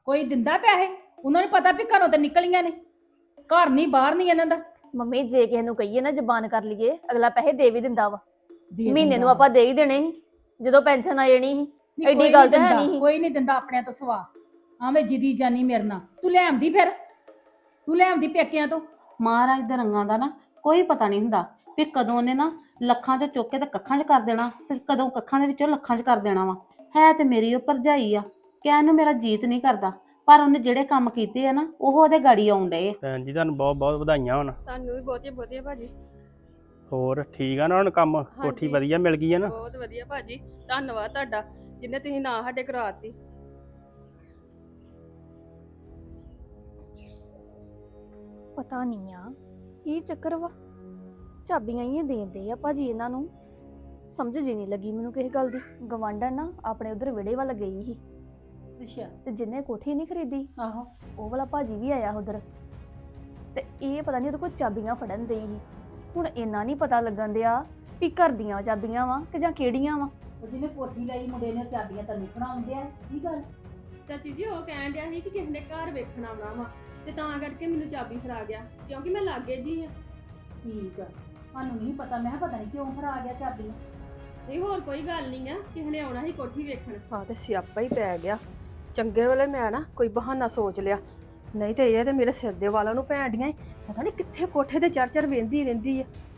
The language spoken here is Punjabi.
ਕੋਈ ਦਿੰਦਾ ਪੈਸੇ? ਉਹਨਾਂ ਨੂੰ ਪਤਾ ਵੀ ਘਰੋਂ ਤੇ ਨਿਕਲੀਆਂ ਨੇ, ਘਰ ਨਹੀਂ ਬਾਹਰ ਨਹੀਂ ਇਹਨਾਂ ਦਾ। ਮੰਮੀ ਜੇ ਕਿਸੇ ਨੂੰ ਕਹੀਏ ਨਾ ਜ਼ਬਾਨ ਕਰ ਲਈਏ, ਅਗਲਾ ਪੈਸੇ ਦੇ ਵੀ ਦਿੰਦਾ ਵਾ। ਦੇ ਮਹੀਨੇ ਦਿੰਦਾ ਨੂੰ ਵਾ। ਆਪਾਂ ਦੇ ਹੀ ਦੇਣੇ ਸੀ ਜਦੋਂ ਪੈਨਸ਼ਨ ਆ ਜਾਣੀ ਸੀ। ਨਹੀਂ, ਐਡੀ ਕੋਈ ਗੱਲ ਨਹੀਂ ਤਾਂ ਹੈ ਦਿੰਦਾ, ਨਹੀਂ ਸੀ। ਕੋਈ ਨਹੀਂ ਦਿੰਦਾ ਆਪਣਿਆਂ ਤੋਂ ਸਵਾ। ਆਵੇਂ ਜਿੱਦੀ ਜਾਨੀ ਮੇਰੇ ਨਾਲ, ਤੂੰ ਲੈ ਆਂਦੀ ਫਿਰ, ਤੂੰ ਲੈ ਆਂਦੀ ਪੇਕਿਆਂ ਤੋਂ। ਮਹਾਰਾਜ ਦੇ ਰੰਗਾਂ ਦਾ ਨਾ ਕੋਈ ਪਤਾ ਨਹੀਂ ਹੁੰਦਾ ਵੀ ਕਦੋਂ ਉਹਨੇ ਨਾ ਲੱਖਾਂ 'ਚ ਚੁੱਕ ਕੇ ਤੇ ਕੱਖਾਂ 'ਚ ਕਰ ਦੇਣਾ ਤੇ ਕਦੋਂ ਕੱਖਾਂ ਦੇ ਵਿੱਚੋਂ ਲੱਖਾਂ 'ਚ ਕਰ ਦੇਣਾ ਵਾ। ਹੈ ਤੇ ਮੇਰੀ ਉਹ ਭਰਜਾਈ ਆ, ਕਹਿਣ ਨੂੰ ਮੇਰਾ ਜੀਤ ਨਹੀਂ ਕਰਦਾ, ਪਰ ਉਹਨੇ ਜਿਹੜੇ ਕੰਮ ਕੀਤੇ ਆ ਨਾ ਉਹ ਉਹਦੇ ਗਾੜੀ ਆਉਣ ਡਏ ਆ। ਭੈਣ ਜੀ ਤੁਹਾਨੂੰ ਬਹੁਤ ਬਹੁਤ ਵਧਾਈਆਂ ਹੋਣ। ਸਾਨੂੰ ਵੀ ਬਹੁਤੀਆਂ ਬਹੁਤੀਆਂ ਭਾਜੀ। ਹੋਰ ਠੀਕ ਆ ਨਾ ਹੁਣ ਕੰਮ? ਕੋਠੀ ਵਧੀਆ ਮਿਲ ਗਈ ਆ ਨਾ? ਬਹੁਤ ਵਧੀਆ ਭਾਜੀ, ਧੰਨਵਾਦ ਤੁਹਾਡਾ ਜਿੰਨੇ ਤੁਸੀਂ ਨਾ ਸਾਡੇ ਕਰਾਤੀ। ਪਤਾ ਨਹੀਂ ਆ ਕੀ ਚੱਕਰ ਵਾ, ਚਾਬੀਆਂ ਹੀ ਦੇਂਦੇ ਆ ਭਾਜੀ ਇਹਨਾਂ ਨੂੰ। ਸਮਝ ਜੀ ਨਹੀਂ ਲੱਗੀ ਮੈਨੂੰ ਕਿਸੇ ਗੱਲ ਦੀ। ਗਵਾਂਢਣ ਨਾ ਆਪਣੇ ਉਧਰ ਵਿੜੇ ਵੱਲ ਗਈ ਸੀ ਅੱਛਾ। ਤੇ ਜਿੰਨੇ ਕੋਠੀ ਨਹੀਂ ਖਰੀਦੀ ਆਹੋ। ਉਹ ਵਾਲਾ ਭਾਜੀ ਵੀ ਆਇਆ ਉਧਰ, ਤੇ ਇਹ ਪਤਾ ਨਹੀਂ ਉਹਦੇ ਕੋਲ ਚਾਬੀਆਂ ਫੜਨ ਦੇਈ ਸੀ। ਹੁਣ ਇੰਨਾ ਨਹੀਂ ਪਤਾ ਲੱਗਣ ਦਿਆ ਵੀ ਘਰ ਦੀਆਂ ਚਾਬੀਆਂ ਵਾ ਕਿ ਜਾਂ ਕਿਹੜੀਆਂ ਵਾ। ਉਹ ਜਿਹਨੇ ਕੋਠੀ ਲਈ ਮੁੰਡੇ ਨੇ ਚਾਬੀਆਂ ਤੈਨੂੰ ਫੜਾਉਂਦੇ ਆ, ਕੀ ਗੱਲ? ਚਾਚੀ ਜੀ ਉਹ ਕਹਿਣ ਡਿਆ ਸੀ ਕਿ ਕਿਸੇ ਨੇ ਘਰ ਵੇਖਣ ਆਉਣਾ ਵਾ ਤੇ ਤਾਂ ਕਰਕੇ ਮੈਨੂੰ ਚਾਬੀ ਫੜਾ ਗਿਆ, ਕਿਉਂਕਿ ਮੈਂ ਲਾਗੇ ਜੀ ਆ। ਠੀਕ ਆ, ਸਾਨੂੰ ਨਹੀਂ ਪਤਾ, ਮੈਂ ਕਿਹਾ ਪਤਾ ਨਹੀਂ ਕਿਉਂ ਫੜਾ ਗਿਆ ਚਾਬੀਆਂ। ਨਹੀਂ ਹੋਰ ਕੋਈ ਗੱਲ ਨਹੀਂ ਆ, ਕਿਸੇ ਨੇ ਆਉਣਾ ਸੀ ਕੋਠੀ ਵੇਖਣ। ਹਾਂ ਤੇ ਸਿਆਪਾ ਹੀ ਪੈ ਗਿਆ। ਚੰਗੇ ਵੇਲੇ ਮੈਂ ਨਾ ਕੋਈ ਬਹਾਨਾ ਸੋਚ ਲਿਆ, ਨਹੀਂ ਤੇ ਇਹ ਤੇ ਮੇਰੇ ਸਿਰ ਦੇ ਵਾਲਾਂ ਨੂੰ ਭੈਣ ਡੀਆਂ ਪਤਾ ਨਹੀਂ ਕਿੱਥੇ ਕੋਠੇ ਤੇ ਚੜ ਵੇਂਦੀ ਰਹਿੰਦੀ ਆ।